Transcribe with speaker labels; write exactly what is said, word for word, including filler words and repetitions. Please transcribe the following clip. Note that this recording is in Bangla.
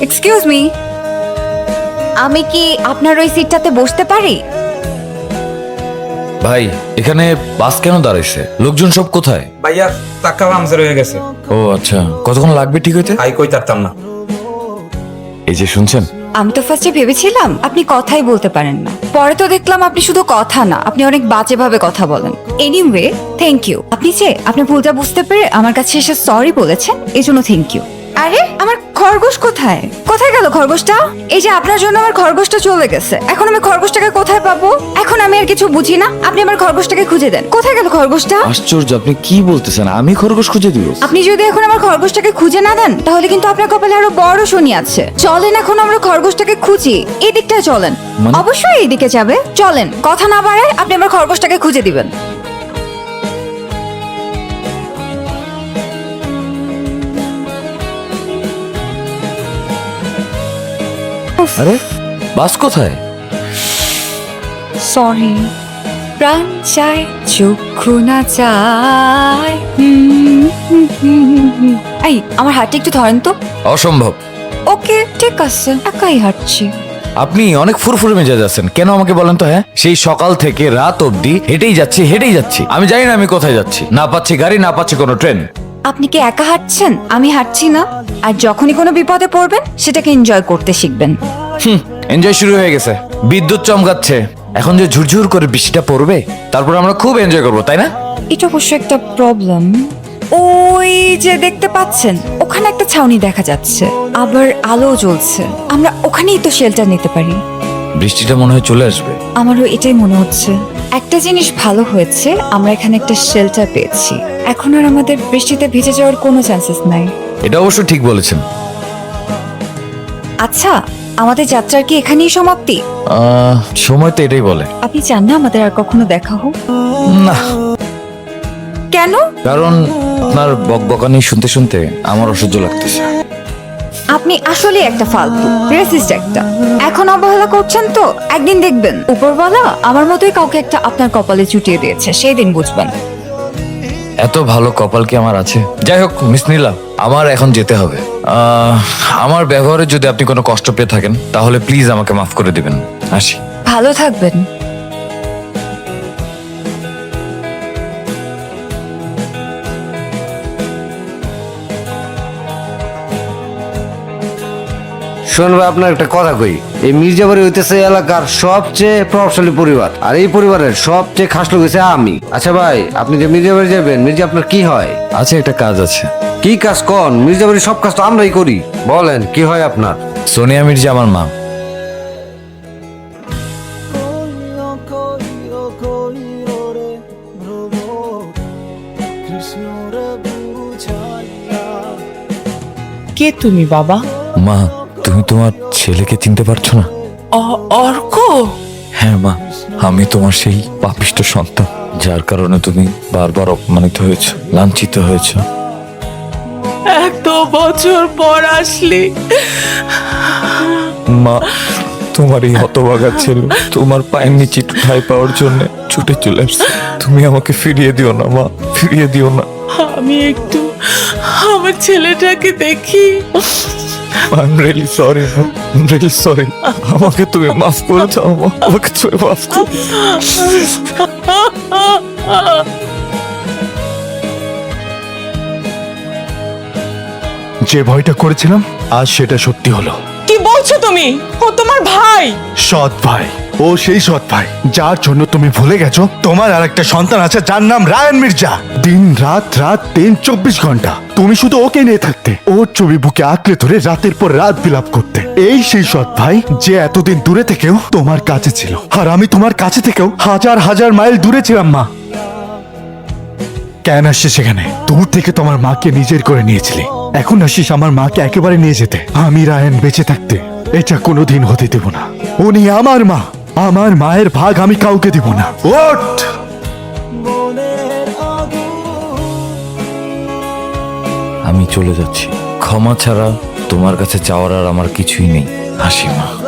Speaker 1: এক্সকিউজ মি, আমি কি আপনার ওই সিটটাতে বসতে পারি?
Speaker 2: ভাই এখানে বাস কেন দাঁড়াইছে? লোকজন সব কোথায়?
Speaker 3: ভাইয়া টাকা পামচার হয়ে গেছে।
Speaker 2: ও আচ্ছা, কতক্ষণ লাগবে ঠিক হইতে?
Speaker 3: আই কই তারতাম না।
Speaker 2: এই যে শুনছেন,
Speaker 1: আমি তো ফার্স্টে ভেবেছিলাম আপনি কথাই বলতে পারেন না, পরে তো দেখলাম আপনি শুধু কথা না, আপনি অনেক বাজে ভাবে কথা বলেন। Anyway thank you. আপনি যে আপনার ভুলটা বুঝতে পেরে আমার কাছে এসে সরি বলেছেন, এই জন্য থ্যাংক ইউ। আরে আমার খরগোশ কোথায়? কোথায় গেল খরগোশটা? এই যে আপনার জন্য আমার খরগোশটা চলে গেছে, এখন আমি খরগোশটাকে কোথায় পাবো? এখন আমি আর কিছু বুঝি না, আপনি আমার খরগোশটাকে খুঁজে দেন। কোথায় গেল খরগোশটা?
Speaker 2: আশ্চর্য, আপনি কি বলতেছেন? আমি খরগোশ খুঁজে দিব?
Speaker 1: আপনি যদি এখন আমার খরগোশটাকে খুঁজে না দেন তাহলে কিন্তু আপনার কপালে আরো বড় শনি আছে। চলেন এখন আমরা খরগোশটাকে খুঁজি, এই দিকটায় চলেন।
Speaker 2: মানে?
Speaker 1: অবশ্যই এই দিকে যাবে, চলেন। কথা না বাড়ায় আপনি আমার খরগোশটাকে খুঁজে দিবেন।
Speaker 2: আরে বাস কোথায়?
Speaker 1: সরি, প্রাণ চায় চক্ষু না চায়। হুম, হুম, হুম, হুম, হুম। এই আমার হাতটা একটু ধরেন তো।
Speaker 2: অসম্ভব।
Speaker 1: ওকে ঠিক আছে, একাই হাঁটছি।
Speaker 2: আপনি অনেক ফুরফুরে মেজাজ আছেন কেন আমাকে বলেন তো? হ্যাঁ, সেই সকাল থেকে রাত অবধি হেঁটেই যাচ্ছি হেঁটেই যাচ্ছি, আমি জানি না আমি কোথায় যাচ্ছি। না পাচ্ছি গাড়ি, না পাচ্ছি কোনো ট্রেন।
Speaker 1: আপনি কি একা হাঁটছেন? আমি হাঁটছি না। আর যখনই কোনো বিপদে পড়বেন সেটাকে এনজয় করতে শিখবেন।
Speaker 2: হুম, এনজয় শুরু হয়ে গেছে। বিদ্যুৎ চমকাচ্ছে, এখন যে ঝুরঝুর করে বৃষ্টিটা পড়বে তারপর আমরা খুব এনজয় করবো, তাই না?
Speaker 1: এটা অবশ্য একটা প্রবলেম। ওই যে দেখতে পাচ্ছেন ওখানে একটা ছাউনি দেখা যাচ্ছে, আবার আলো জ্বলছে। আমরা ওখানেই তো শেল্টার নিতে পারি।
Speaker 2: বৃষ্টিটা মনে হয় চলে আসবে।
Speaker 1: আমারও এটাই মনে হচ্ছে। একটা জিনিস ভালো হয়েছে, আমরা এখানে একটা শেল্টার পেয়েছি। এখন আর আমাদের বৃষ্টিতে ভিজে যাওয়ার কোনো চান্সেস নাই।
Speaker 2: এটা অবশ্য ঠিক বলেছেন।
Speaker 1: আচ্ছা, আমাদের যাত্রার কি এখানেই সমাপ্তি?
Speaker 2: আহ, সময় তো এটাই বলে।
Speaker 1: আপনি চান না আমাদের আর কখনো দেখা হোক?
Speaker 2: না,
Speaker 1: কেন?
Speaker 2: কারণ আপনার বকবকানি শুনতে শুনতে আমার অসহ্য লাগতেছে।
Speaker 1: আপনি আসলে একটা ফালতু রেসিস্ট একটা। এখন অবহেলা করছেন তো, একদিন দেখবেন উপরওয়ালা আমার মতোই কাউকে একটা আপনার কপালে চুটিয়ে দিয়েছে, সেই দিন বুঝবেন।
Speaker 2: এত ভালো কপাল কি আমার আছে? যাই হোক মিস নীলা, আমার এখন যেতে হবে। আহ, আমার ব্যবহারে যদি আপনি কোনো কষ্ট পেয়ে থাকেন তাহলে প্লিজ আমাকে মাফ করে দিবেন। আসি।
Speaker 1: ভালো থাকবেন।
Speaker 4: শুনবে, আপনার একটা কথা কই, এই মির্জাবাড়ি হইতেছে এলাকার সবচেয়ে প্রভাবশালী পরিবার, আর এই পরিবারের সবচেয়ে খাস লোক হইছে আমি। আচ্ছা ভাই, আপনি যে মির্জাবাড়ি যাবেন, মির্জা আপনার কি হয়?
Speaker 2: আচ্ছা, একটা কাজ আছে।
Speaker 4: কি কাজ কন? মির্জাবাড়ির সব কাজ তো আমরাই করি। বলেন কি হয় আপনার?
Speaker 2: সোনিয়া মির্জা আমার মা।
Speaker 5: কে তুমি বাবা?
Speaker 2: মা, তুমি তোমার ছেলেকে চিনতে পারছো না?
Speaker 5: অ- অর্ক?
Speaker 2: হ্যাঁ মা, আমি তোমার সেই পাপিষ্ট সন্তান যার কারণে তুমি বারবার অপমানিত হয়েছ, লাঞ্ছিত হয়েছ।
Speaker 5: এত বছর পর আসলি।
Speaker 2: মা, তোমার এই হতভাগা ছেলে তোমার পায়ের নিচে একটু ঠাঁই পাওয়ার জন্য ছুটে চলে আসছে। তুমি আমাকে ফিরিয়ে দিও না মা, ফিরিয়ে দিও না।
Speaker 5: আমি একটু আমার ছেলেটাকে দেখি।
Speaker 2: I'm really sorry, mom. I'm really sorry. আমাকে তুমি মাফ করে দাও মা, আমাকে তুমি মাফ করে
Speaker 6: যে ভয়টা করেছিলাম আজ সেটা সত্যি হলো।
Speaker 5: কি বলছো তুমি? ও তোমার ভাই?
Speaker 6: সৎ ভাই, ও সেই সৎ ভাই যার জন্য তুমি ভুলে গেছো তোমার আর একটা সন্তান আছে যার নাম রায়ান মির্জা। দিন রাত রাত দিন চব্বিশ ঘন্টা তুমি শুধু ওকে নিয়ে থাকতে, ওর ছবি বুকে আঁকড়ে ধরে রাতের পর রাত বিলাপ করতে। এই সেই সৎ ভাই যে এতদিন দূরে থেকেও তোমার কাছে ছিল, আর আমি তোমার কাছে থেকেও হাজার হাজার মাইল দূরে ছিলাম মা। কেন আসছিস সেখানে? দূর থেকে তোমার মাকে নিজের করে নিয়েছিলি, এখন আসিস আমার মাকে একেবারে নিয়ে যেতে। আমি রায়ান বেঁচে থাকতে এটা কোনোদিন হতে দেব না। উনি আমার মা, আমার মায়ের ভাগ আমি কাউকে দিব না। ওঠ!
Speaker 2: আমি চলে যাচ্ছি। ক্ষমা ছাড়া তোমার কাছে চাওয়ার আর আমার কিছুই নেই। হাসি মা।